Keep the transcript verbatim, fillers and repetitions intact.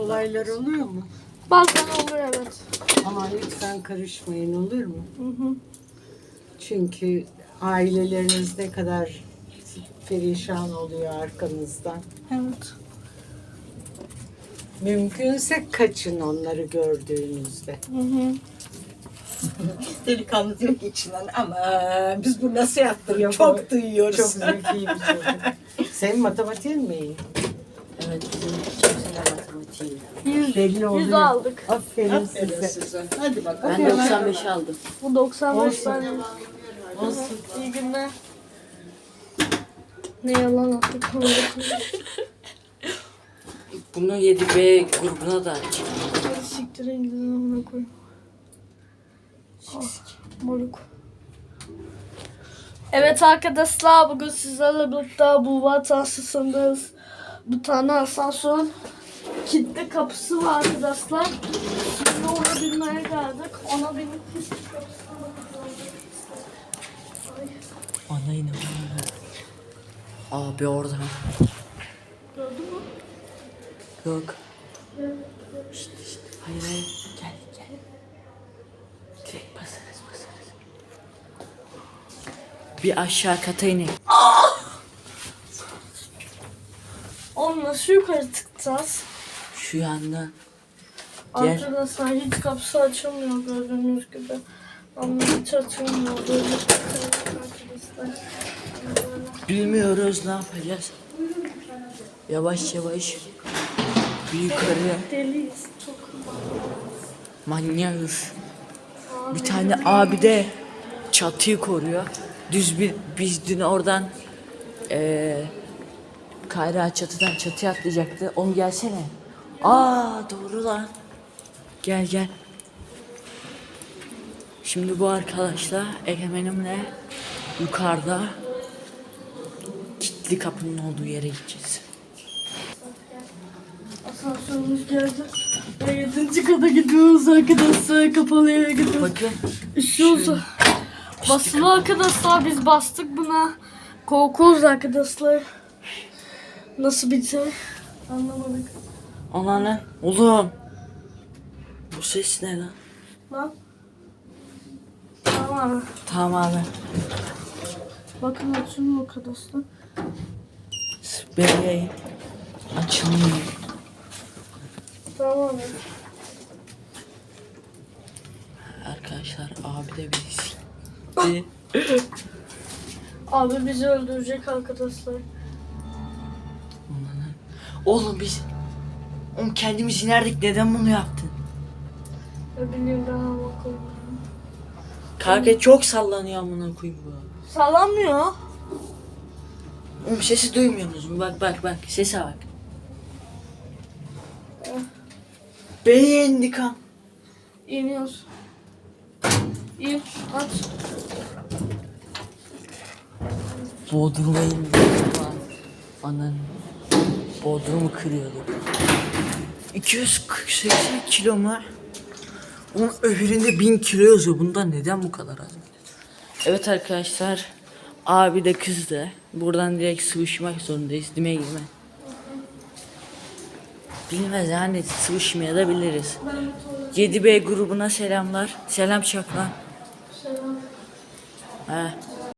olaylar oluyor mu? Bazen oluyor, evet. Ama lütfen karışmayın, olur mu? Hı hı. Çünkü aileleriniz ne kadar perişan oluyor arkanızdan. Evet. Mümkünse kaçın onları gördüğünüzde. Hı hı. Delikanlı diyor ki içinden ama biz bu nasıl yaptık Yok, çok duyuyoruz. Çok zeki bir çocuk. Senin matematiğin mi iyi? Evet bizim çok sene matematiği. Yüz, Belli yüz oluyor. aldık. Aferin, Aferin size. size. Hadi bakalım. Ben doksan beş aldım. Bu doksan beş Olsun. tane. Olsun. İyi günler. Ne yalan attık. Bunu yedi B grubuna da aç. Hadi siktirin gidin amına koyayım. Ah, moruk. Evet arkadaşlar, bugün sizlerle birlikte bu vatansızındayız. Bir tane asansör kilitli kapısı var arkadaşlar. Şimdi ona binmeye geldik. Ona binip kilitli kapısına bakacağız. Ay, Ana yine abi orada. gördün mü? Yok. İşte işte. Hayır hayır. Gel gel. Direkt basarız basarız. Bir aşağı kata inelim. Oğlum nasıl yukarı çıkacağız? Şu yandan. Gel. Arkadaşlar hiç kapısı açılmıyor gördüğünüz gibi. Ama hiç açılmıyor. Böyle arkadaşlar. Böyle. Bilmiyoruz ne yapacağız. Yavaş yavaş. Bir yukarı. Deliyiz çok. Manyağız. Bir tane abi de çatıyı koruyor. Düz bir biz dün oradan eee Kayra çatıdan çatıya atlayacaktı. Onu gelsene. Aa doğru lan. Gel gel. Şimdi bu arkadaşla Egemenimle yukarıda kilitli kapının olduğu yere gideceğiz. Asansörümüz geldi. Ve yedinci kata gidiyoruz arkadaşlar. Kapalı yere gidiyoruz. Bakın. Üşüyoruz. Basılı arkadaşlar, biz bastık buna. Korkuyoruz arkadaşlar. Nasıl biter? Anlamadık. Anneanne. Oğlum. Bu ses ne lan? Lan. Tamam abi. Tamam abi. Bakın açılıyor arkadaşlar. Bebeği açılmıyor. Tamam abi. Arkadaşlar abi de bizi Abi bizi öldürecek arkadaşlar. Oğlum biz Oğlum kendimiz inerdik, neden bunu yaptın? Ne bileyim ben ama koyayım. Kanka çok sallanıyor amına koyayım bu. Sallanmıyor. Oğlum sesi duymuyorsunuz mu? Bak bak bak sese bak. Beğendik ha. İniyoruz. İn, aç. Bodrum'a indik. Anan. Bodrum'u kırıyorduk. iki yüz seksen kilo mu? Onun öbüründe bin kilo yazıyor. Bundan neden bu kadar az? Evet arkadaşlar. Abi de kızdı. Buradan direkt sıvışmak zorundayız. Dime girme. Bilmez yani, sıvışmaya da biliriz. yedi B grubuna selamlar. Selam çak lan. Selam. He.